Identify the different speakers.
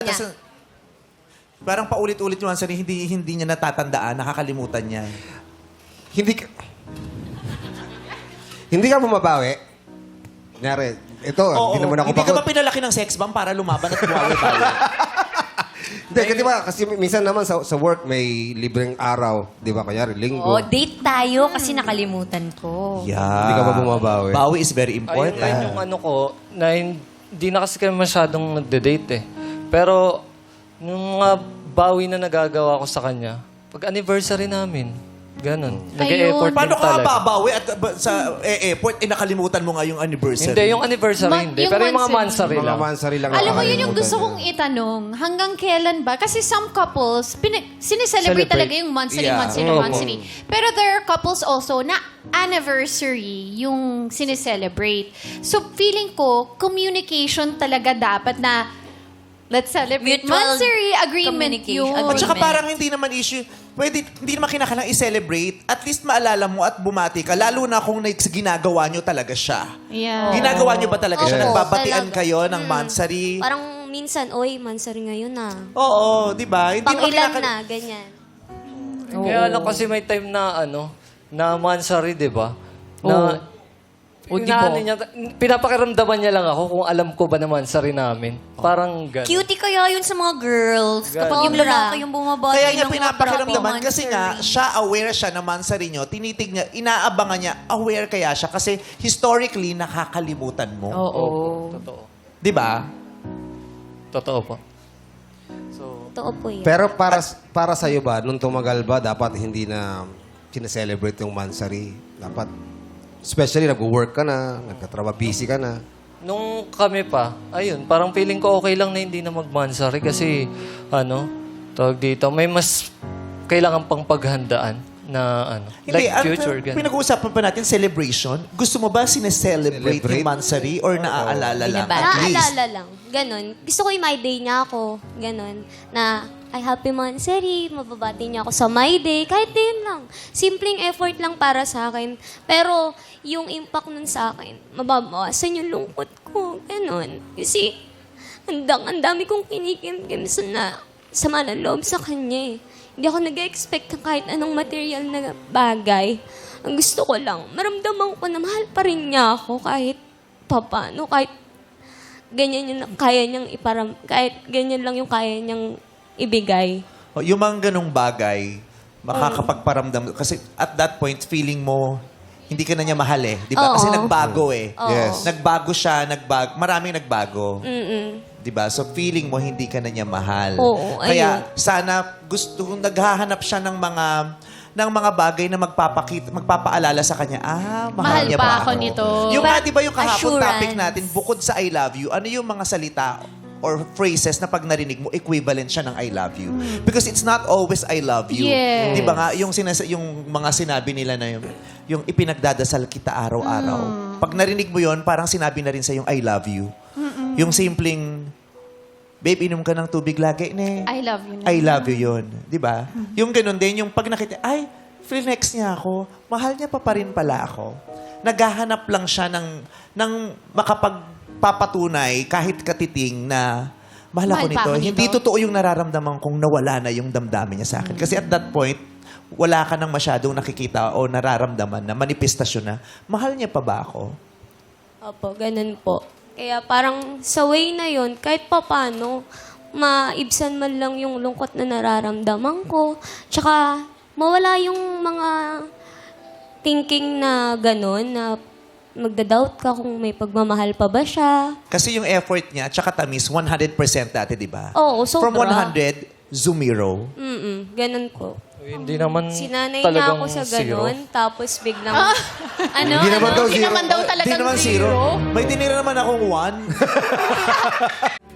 Speaker 1: Kasi, parang paulit-ulit yung answer, hindi niya natatandaan, nakakalimutan niya.
Speaker 2: Hindi ka... Hindi ka bumabawi. Kunyari, ito, hindi naman ako
Speaker 1: Hindi ka ba
Speaker 2: pagod.
Speaker 1: pinalaki ng sex bomb para lumaban at bumawi-bawi?
Speaker 2: Hindi, kasi ba, kasi minsan naman sa work may libreng araw. Di ba, kunyari, linggo.
Speaker 3: Oh, date tayo kasi nakalimutan ko.
Speaker 1: Yeah.
Speaker 2: Hindi ka ba bumabawi?
Speaker 1: Bawi is very
Speaker 4: Ayun
Speaker 1: important.
Speaker 4: lang yung ano ko, na hindi na kasi kami masyadong nagde-date eh. Pero, nung mga bawi na nagagawa ko sa kanya, pag anniversary namin, ganun. Nag-e-effort din
Speaker 1: Paano ka
Speaker 4: talaga.
Speaker 1: babawi at sa airport, nakalimutan mo nga yung anniversary?
Speaker 4: Hindi, yung anniversary hindi.
Speaker 5: yung
Speaker 4: Pero yung mga
Speaker 5: monthsary.
Speaker 4: mansari
Speaker 2: Mga
Speaker 4: lang.
Speaker 2: mansari lang.
Speaker 5: Alam mo, yun yung
Speaker 2: nakakalimutan
Speaker 5: gusto
Speaker 2: niya.
Speaker 5: kong itanong. Hanggang kailan ba? Kasi some couples, sineselebrate
Speaker 4: Celebrate.
Speaker 5: talaga yung monthly,
Speaker 1: Yeah.
Speaker 5: monthly,
Speaker 4: Oo.
Speaker 5: monthly. Pero there are couples also na anniversary yung sineselebrate. So, feeling ko, communication talaga dapat na let's celebrate
Speaker 3: Mutual
Speaker 5: monthly agreement
Speaker 3: communication.
Speaker 5: yun.
Speaker 1: At saka
Speaker 3: Agreement.
Speaker 1: parang hindi naman issue, hindi naman kinakailangan i-celebrate. At least maalala mo at bumati ka, lalo na kung ginagawa nyo talaga siya.
Speaker 5: Yeah.
Speaker 1: Ginagawa nyo ba talaga siya?
Speaker 6: Opo,
Speaker 1: Nagbabatian
Speaker 6: talaga.
Speaker 1: kayo ng monthsary?
Speaker 6: Parang minsan, oy, mansari ngayon na.
Speaker 1: Oo, di ba? Hindi naman
Speaker 6: Pang-ilan
Speaker 1: kinakailangan-
Speaker 6: na, ganyan.
Speaker 4: Kaya lang kasi may time na na mansari, di ba? Na, inaano niya, pinapakiramdaman niya lang ako kung alam ko ba na mansari namin. Parang ganun.
Speaker 3: Cutie kaya yun sa mga girls. Kapag yung
Speaker 6: Sobra.
Speaker 3: lalaki yung bumabati
Speaker 1: Kaya niya
Speaker 3: ng mga
Speaker 1: pinapakiramdaman
Speaker 3: happy
Speaker 1: kasi nga,
Speaker 3: monthsary.
Speaker 1: siya aware siya na monthsary nyo, tinitig niya, inaabangan niya, aware kaya siya kasi historically, nakakalimutan mo.
Speaker 5: Oo.
Speaker 4: Totoo.
Speaker 1: Di ba?
Speaker 4: Totoo po.
Speaker 6: Totoo po yun.
Speaker 2: Pero para sa iyo ba, nung tumagal ba, dapat hindi na sineselebrate yung mansari? Dapat, especially nag-work ka na, nagkatrabaho, busy ka na.
Speaker 4: Nung kami pa, ayun, parang feeling ko okay lang na hindi na mag-mansari kasi, tawag dito, may mas kailangan pang paghandaan na,
Speaker 1: Hindi,
Speaker 4: like future, ganun.
Speaker 1: pinag-uusapan pa natin, celebration. Gusto mo ba sineselebrate
Speaker 2: Celebrate?
Speaker 1: yung monthsary or naaalala lang?
Speaker 3: Binabati.
Speaker 1: At least.
Speaker 6: Naaalala lang. Ganon. Gusto ko yung my day niya ako. Ganon. Na, ay, happy monthsary. Mababati niya ako sa my day. Kahit yun lang. Simpleng effort lang para sa akin. Pero, yung impact nun sa akin, mababawasan yung lungkot ko. Ganon. Kasi, ang dami kong kinikimkim sa malaloob sa kanya eh. Hindi ako nag-expect ng kahit anong material na bagay. Ang gusto ko lang, maramdaman ko na mahal pa rin niya ako kahit papano, kahit ganyan yung kaya niyang kahit ganyan lang yung kaya niyang ibigay.
Speaker 1: O, yung mga ganong bagay, makakapagparamdam. Kasi at that point, feeling mo, hindi ka na niya mahal eh. Di ba?
Speaker 6: Oo.
Speaker 1: Kasi nagbago eh.
Speaker 6: Oo.
Speaker 2: Yes.
Speaker 1: Nagbago siya, maraming nagbago.
Speaker 6: Mm-mm.
Speaker 1: Di ba? So feeling mo hindi ka na niya mahal.
Speaker 6: Oo,
Speaker 1: Kaya sana kung naghahanap siya ng mga bagay na magpapaalala sa kanya, mahal niya
Speaker 5: pa
Speaker 1: ba
Speaker 5: ako nito.
Speaker 1: Yung nga, di ba yung kahapon
Speaker 3: Assurance.
Speaker 1: topic natin, bukod sa I love you, ano yung mga salita or phrases na pag narinig mo, equivalent siya ng I love you. Because it's not always I love you.
Speaker 5: Yes.
Speaker 1: Di ba nga, yung mga sinabi nila na yung ipinagdadasal kita araw-araw. Pag narinig mo yon parang sinabi na rin sa yung I love you. Yung simpleng, babe, inom ka ng tubig lagi, ne.
Speaker 5: I love you.
Speaker 1: I love you yun. Di ba? Yung ganun din, yung pag nakita, ay, flex niya ako, mahal niya pa rin pala ako. Naghahanap lang siya ng makapagpapatunay kahit katiting na mahal ako
Speaker 5: Mahal pa
Speaker 1: nito.
Speaker 5: ako
Speaker 1: Hindi
Speaker 5: nito.
Speaker 1: totoo yung nararamdaman kong nawala na yung damdamin niya sa akin. Kasi at that point, wala ka nang masyadong nakikita o nararamdaman na manifestasyon na, mahal niya pa ba ako?
Speaker 6: Opo, ganun po. Kaya parang sa way na yon kahit papano, maibsan man lang yung lungkot na nararamdaman ko. Tsaka, mawala yung mga thinking na gano'n, na magda-doubt ka kung may pagmamahal pa ba siya.
Speaker 1: Kasi yung effort niya, tsaka tamis, 100% dati, di ba?
Speaker 6: Oo, sobra.
Speaker 1: From 100, zero.
Speaker 6: Ganun po.
Speaker 4: Hindi naman
Speaker 6: Sinanay niya
Speaker 4: talagang
Speaker 6: ako sa
Speaker 4: zero.
Speaker 6: gano'n, tapos biglang...
Speaker 5: Ano?
Speaker 2: Hindi naman daw
Speaker 5: Hindi
Speaker 2: zero.
Speaker 5: naman daw
Speaker 1: Di
Speaker 5: talagang
Speaker 1: naman zero. May tinira naman akong 1.